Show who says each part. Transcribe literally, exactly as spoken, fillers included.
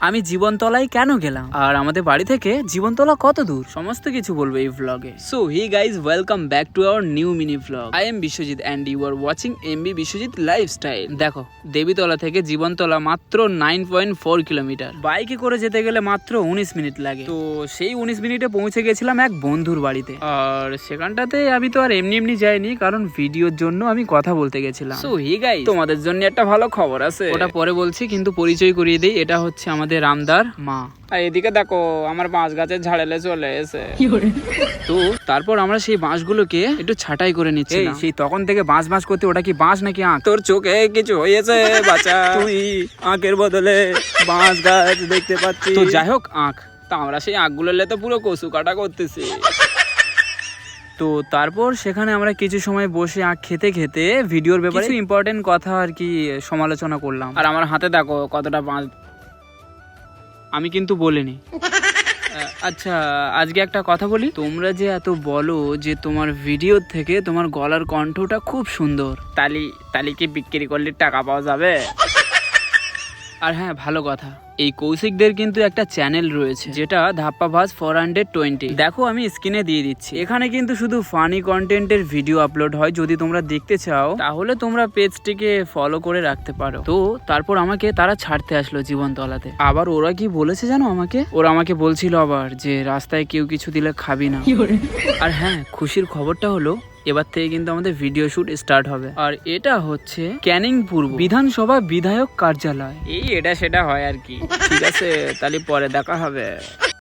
Speaker 1: আমি জীবনতলায় কেন গেলাম, আর আমাদের বাড়ি থেকে জীবনতলা কত দূর, সমস্ত কিছু বলবো এই ভ্লগে। So hi guys, welcome back to our new mini vlog. I am Biswajit and you are watching MB Biswajit lifestyle. দেখো, দেবীতলা থেকে জীবনতলা মাত্র নাইন পয়েন্ট ফোর কিলোমিটার। বাইকে করে যেতে গেলে মাত্র উনিশ মিনিট লাগে। তো সেই উনিশ মিনিটে পৌঁছে গেছিলাম এক বন্ধুর বাড়িতে। আর সেখানটাতে আমি তো আর এমনি এমনি যাইনি, কারণ ভিডিওর জন্য আমি কথা বলতে গেছিলাম। সো হি গাইজ, তোমাদের জন্য একটা ভালো খবর আছে, ওটা পরে বলছি, কিন্তু পরিচয় করিয়ে দিই, এটা হচ্ছে আমাদের রামদার মা। আর এদিকে দেখো, আমার বাঁশ গাছের ঝাড়েলে চলে এসে। তো তারপর আমরা সেই বাঁশগুলোকে একটু ছাঁটাই করে নিচ্ছি। সেই তখন থেকে বাঁশ বাঁশ করতে, ওটা কি বাঁশ নাকি আঁখ? তোর চোখে কিছু হয়েছে বাচ্চা, তুই আঁখের বদলে বাঁশ গাছ দেখতে পাচ্ছি। তো যাই হোক, আঁখ, তা আমরা সেই আঁখগুলোলে তো পুরো কচু কাটা করতেছি। তো তারপর সেখানে আমরা কিছু সময় বসে আখ খেতে খেতে ভিডিওর ব্যাপারে কিছু ইম্পর্টেন্ট কথা আর কি সমালোচনা করলাম। আর আমার হাতে দেখো কতটা বাঁশ, আমি কিন্তু বলিনি। আচ্ছা, আজকে একটা কথা বলি, তোমরা যে এত বলো যে তোমার ভিডিও থেকে তোমার গলার কণ্ঠটা খুব সুন্দর, তালি তালি কি বিক্রি করলে টাকা পাওয়া যাবে? আর হ্যাঁ, ভালো কথা, এই কৌশিকদের কিন্তু একটা চ্যানেল রয়েছে, যেটা ধাপ্পা ভাস ফোর হান্ড্রেড টোয়েন্টি। দেখো, আমি স্ক্রিনে দিয়ে দিচ্ছি। এখানে কিন্তু শুধু ফানি কন্টেন্টের ভিডিও আপলোড হয়। যদি তোমরা দেখতে চাও তাহলে তোমরা পেজটিকে ফলো করে রাখতে পারো। তো তারপর আমাকে তারা ছাড়তে আসলো জীবনতলাতে। আবার ওরা কি বলেছে জানো আমাকে? ওরা আমাকে বলছিল আবার যে রাস্তায় কেউ কিছু দিলে খাবি না। আর হ্যাঁ, খুশির খবরটা হলো এবার থেকে কিন্তু আমাদের ভিডিও শুট স্টার্ট হবে। আর এটা হচ্ছে ক্যানিং পূর্ব বিধানসভা বিধায়ক কার্যালয়। এই এটা সেটা হয় আর কি। ঠিক আছে, তাহলে পরে দেখা হবে।